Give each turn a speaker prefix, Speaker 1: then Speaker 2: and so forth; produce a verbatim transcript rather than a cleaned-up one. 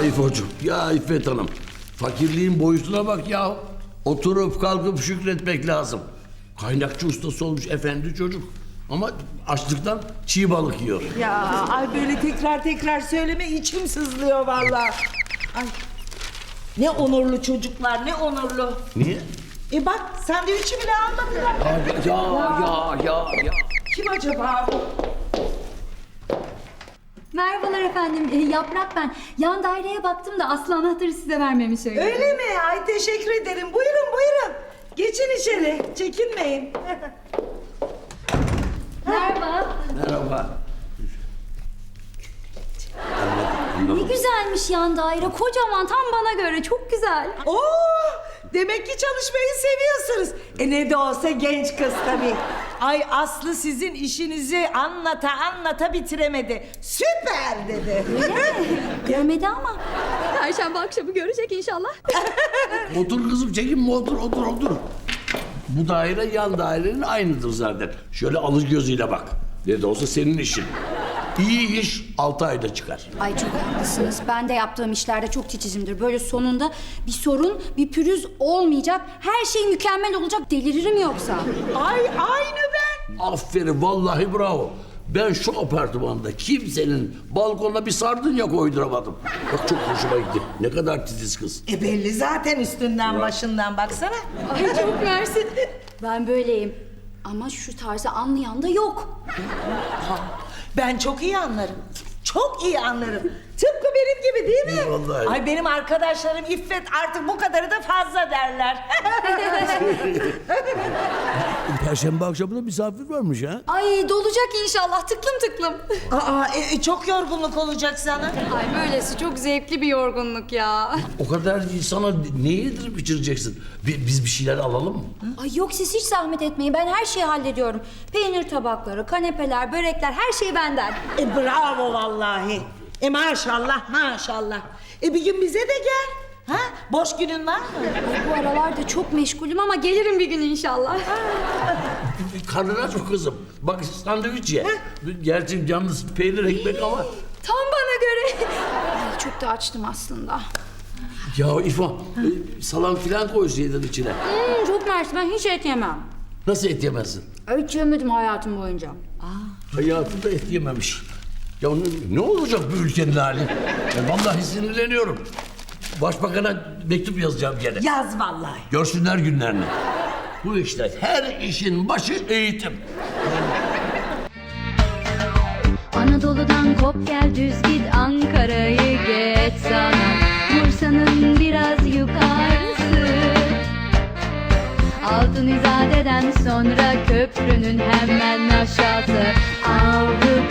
Speaker 1: İfo'cum, ya İffet Hanım. Fakirliğin boyutuna bak ya. Oturup kalkıp şükretmek lazım. Kaynakçı ustası olmuş efendi çocuk. Ama açlıktan çiğ balık yiyor.
Speaker 2: Ya ay böyle tekrar tekrar söyleme içim sızlıyor vallahi. Ay. Ne onurlu çocuklar, ne onurlu.
Speaker 1: Niye?
Speaker 2: E bak sandviçi bile almadılar.
Speaker 1: Ya ya ya ya ya.
Speaker 2: Kim acaba bu?
Speaker 3: Merhabalar efendim, ee, Yaprak ben. Yan daireye baktım da Aslı anahtarı size vermemi söyledi.
Speaker 2: Öyle mi? Ay teşekkür ederim. Buyurun buyurun. Geçin içeri. Çekinmeyin.
Speaker 3: Merhaba.
Speaker 1: Merhaba.
Speaker 3: Ne güzelmiş yan daire, kocaman, tam bana göre, çok güzel.
Speaker 2: Oo! Demek ki çalışmayı seviyorsunuz. E ne de olsa genç kız tabii. Ay Aslı sizin işinizi anlata anlata bitiremedi. Süper dedi.
Speaker 3: Görmedi ama. Perşembe akşamı görecek inşallah.
Speaker 1: Otur kızım, çekinme, otur otur otur. Bu daire yan dairenin aynıdır zaten. Şöyle alır gözüyle bak. Ne de olsa senin işin. İyi iş altı ayda çıkar.
Speaker 3: Ay çok haklısınız. Ben de yaptığım işlerde çok titizimdir. Böyle sonunda bir sorun, bir pürüz olmayacak. Her şey mükemmel olacak. Deliririm yoksa.
Speaker 2: Ay aynı ben.
Speaker 1: Aferin, vallahi bravo. Ben şu apartmanda kimsenin balkonuna bir sardunya koyduramadım. Bak çok hoşuma gitti. Ne kadar titiz kız.
Speaker 2: E belli zaten üstünden başından baksana.
Speaker 3: Ay çok mersi. Ben böyleyim. Ama şu tarzı anlayan da yok.
Speaker 2: Ben çok iyi anlarım. Çok iyi anlarım. Tıpkı benim gibi değil mi?
Speaker 1: Vallahi.
Speaker 2: Ay benim arkadaşlarım İffet artık bu kadarı da fazla derler.
Speaker 1: Perşembe akşamı da misafir varmış ha.
Speaker 3: Ay dolacak inşallah, tıklım tıklım.
Speaker 2: Aa e, e, çok yorgunluk olacak sana.
Speaker 3: Ay böylesi çok zevkli bir yorgunluk ya.
Speaker 1: O kadar insana ne yedirip içireceksin? Bi- Biz bir şeyler alalım mı?
Speaker 3: Ay yok, siz hiç zahmet etmeyin, ben her şeyi hallediyorum. Peynir tabakları, kanepeler, börekler, her şey benden.
Speaker 2: E bravo vallahi. E maşallah maşallah. E bir gün bize de gel. Ha? Boş günün var mı?
Speaker 3: Ay, bu aralarda çok meşgulüm ama gelirim bir gün inşallah.
Speaker 1: Karnın aç mı kızım? Bak sandviç ye. Gerçi yalnız peynir ekmek ama.
Speaker 3: Tam bana göre. Ay çok da açtım aslında.
Speaker 1: Ya İfa, e, salam filan koysaydın içine.
Speaker 3: Hmm, çok mersi, ben hiç et yemem.
Speaker 1: Nasıl et yemezsin?
Speaker 3: Hiç yemedim hayatım boyunca.
Speaker 1: Hayatında et yememiş. Ya ne, ne olacak bu ülkenin hali? Ben vallahi sinirleniyorum. Başbakan'a mektup yazacağım gene.
Speaker 2: Yaz vallahi.
Speaker 1: Görsünler günlerini. Bu işte her işin başı eğitim.
Speaker 4: Anadolu'dan kop gel düz git Ankara'yı geç sana Bursa'nın biraz yukarısı Altın İzade'den sonra köprünün hemen aşağısı Avrupa